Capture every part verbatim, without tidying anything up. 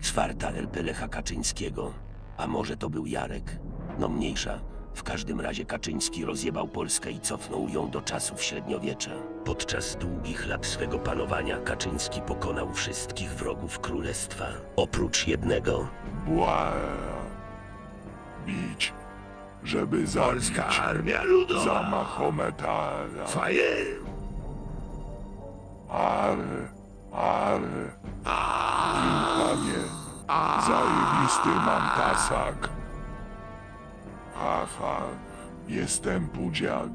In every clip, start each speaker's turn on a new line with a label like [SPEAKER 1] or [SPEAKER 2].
[SPEAKER 1] Czwarta L P Lecha Kaczyńskiego. A może to był Jarek? No mniejsza. W każdym razie Kaczyński rozjebał Polskę i cofnął ją do czasów średniowiecza. Podczas długich lat swego panowania Kaczyński pokonał wszystkich wrogów królestwa. Oprócz jednego.
[SPEAKER 2] Bła. Bić, żeby zabić.
[SPEAKER 1] Polska Armia Ludowa!
[SPEAKER 2] Za Mahometa.
[SPEAKER 1] Faję!
[SPEAKER 2] Ale, ale. Panie, zajebisty mam tasak. Haha, jestem pudziak.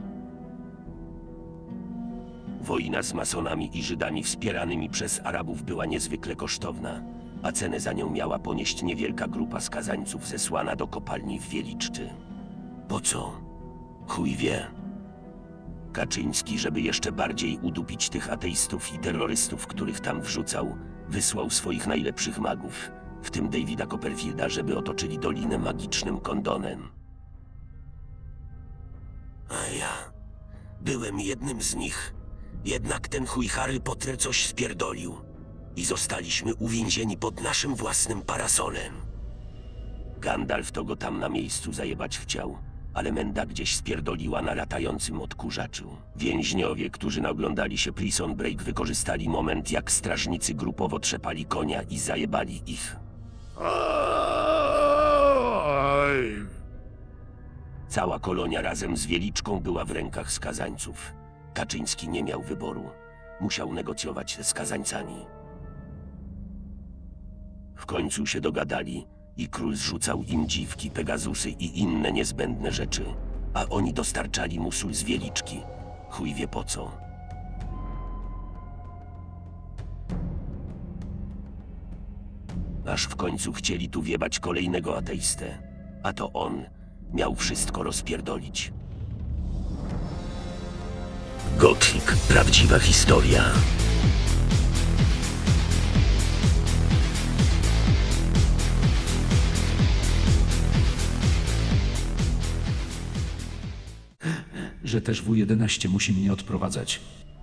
[SPEAKER 1] Wojna z masonami i Żydami wspieranymi przez Arabów była niezwykle kosztowna, a cenę za nią miała ponieść niewielka grupa skazańców zesłana do kopalni w Wieliczczy. Po co? Chuj wie. Kaczyński, żeby jeszcze bardziej udupić tych ateistów i terrorystów, których tam wrzucał, wysłał swoich najlepszych magów, w tym Davida Copperfielda, żeby otoczyli dolinę magicznym kondonem. A ja byłem jednym z nich. Jednak ten chuj Harry Potter coś spierdolił i zostaliśmy uwięzieni pod naszym własnym parasolem. Gandalf to go tam na miejscu zajebać chciał, ale Menda gdzieś spierdoliła na latającym odkurzaczu. Więźniowie, którzy naoglądali się Prison Break, wykorzystali moment, jak strażnicy grupowo trzepali konia i zajebali ich. Cała kolonia razem z Wieliczką była w rękach skazańców. Kaczyński nie miał wyboru. Musiał negocjować ze skazańcami. W końcu się dogadali i król zrzucał im dziwki, pegazusy i inne niezbędne rzeczy, a oni dostarczali mu sól z Wieliczki. Chuj wie po co. Aż w końcu chcieli tu wiebać kolejnego ateistę, a to on miał wszystko rozpierdolić. Gothic. Prawdziwa historia.
[SPEAKER 3] Że też W jedenaście musi mnie odprowadzać.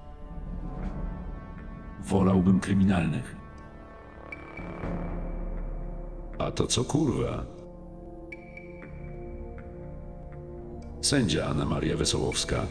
[SPEAKER 3] Wolałbym kryminalnych.
[SPEAKER 4] A to co kurwa? Sędzia Anna Maria Wesołowska.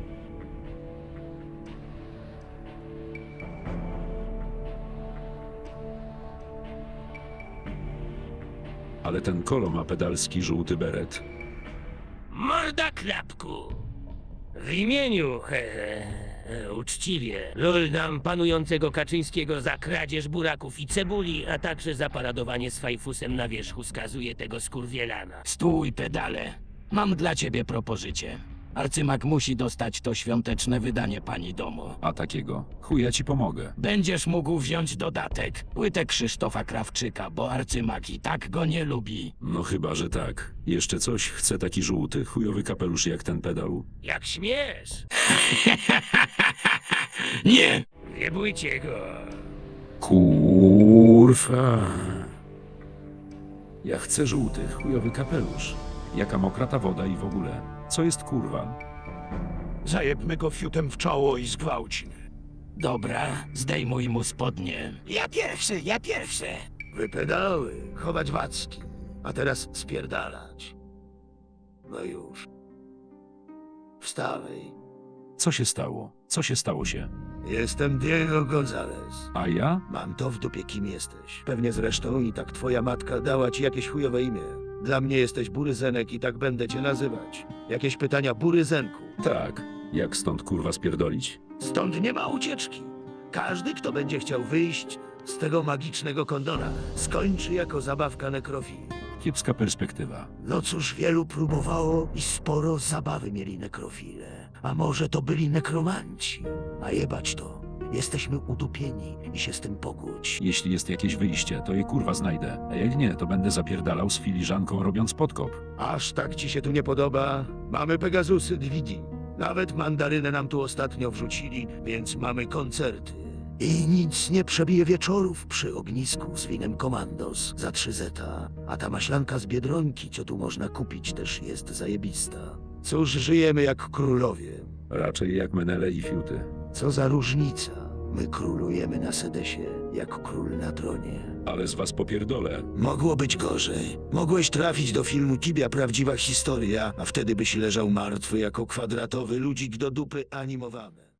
[SPEAKER 4] Ale ten kolo ma pedalski żółty beret.
[SPEAKER 5] Morda klapku! W imieniu, he, he, uczciwie, loldam panującego Kaczyńskiego za kradzież buraków i cebuli, a także za paradowanie z fajfusem na wierzchu skazuje tego skurwielana.
[SPEAKER 6] Stój, pedale. Mam dla ciebie propozycję. Arcymak musi dostać to świąteczne wydanie pani domu.
[SPEAKER 3] A takiego? Chuja ci pomogę.
[SPEAKER 6] Będziesz mógł wziąć dodatek, płytę Krzysztofa Krawczyka, bo arcymak i tak go nie lubi.
[SPEAKER 4] No chyba, że tak. Jeszcze coś chce taki żółty, chujowy kapelusz jak ten pedał.
[SPEAKER 5] Jak śmiesz!
[SPEAKER 6] Nie!
[SPEAKER 5] Nie bójcie go!
[SPEAKER 3] Kurwa. Ja chcę żółty, chujowy kapelusz. Jaka mokra ta woda i w ogóle. Co jest kurwa?
[SPEAKER 6] Zajebmy go fiutem w czoło i zgwałcimy. Dobra, zdejmuj mu spodnie.
[SPEAKER 5] Ja pierwszy, ja pierwszy!
[SPEAKER 1] Wypedały, chować wacki, a teraz spierdalać. No już. Wstawaj.
[SPEAKER 3] Co się stało? Co się stało się?
[SPEAKER 1] Jestem Diego González.
[SPEAKER 3] A ja?
[SPEAKER 1] Mam to w dupie, kim jesteś. Pewnie zresztą i tak twoja matka dała ci jakieś chujowe imię. Dla mnie jesteś Buryzenek i tak będę cię nazywać. Jakieś pytania, Buryzenku?
[SPEAKER 4] Tak. Jak stąd kurwa spierdolić?
[SPEAKER 1] Stąd nie ma ucieczki. Każdy, kto będzie chciał wyjść z tego magicznego kondona, skończy jako zabawka nekrofili.
[SPEAKER 3] Kiepska perspektywa.
[SPEAKER 1] No cóż, wielu próbowało i sporo zabawy mieli nekrofile. A może to byli nekromanci? A jebać to. Jesteśmy udupieni i się z tym pogódź.
[SPEAKER 3] Jeśli jest jakieś wyjście, to je kurwa znajdę. A jak nie, to będę zapierdalał z filiżanką robiąc podkop.
[SPEAKER 1] Aż tak ci się tu nie podoba? Mamy Pegazusy D V D. Nawet mandarynę nam tu ostatnio wrzucili, więc mamy koncerty. I nic nie przebije wieczorów przy ognisku z winem Commandos za trzy zeta. A ta maślanka z Biedronki, co tu można kupić, też jest zajebista. Cóż, żyjemy jak królowie.
[SPEAKER 4] Raczej jak menele i fiuty.
[SPEAKER 1] Co za różnica.
[SPEAKER 7] My królujemy na Sedesie, jak król na tronie.
[SPEAKER 4] Ale z was popierdolę.
[SPEAKER 7] Mogło być gorzej. Mogłeś trafić do filmu Tibia Prawdziwa Historia, a wtedy byś leżał martwy jako kwadratowy ludzik do dupy animowany.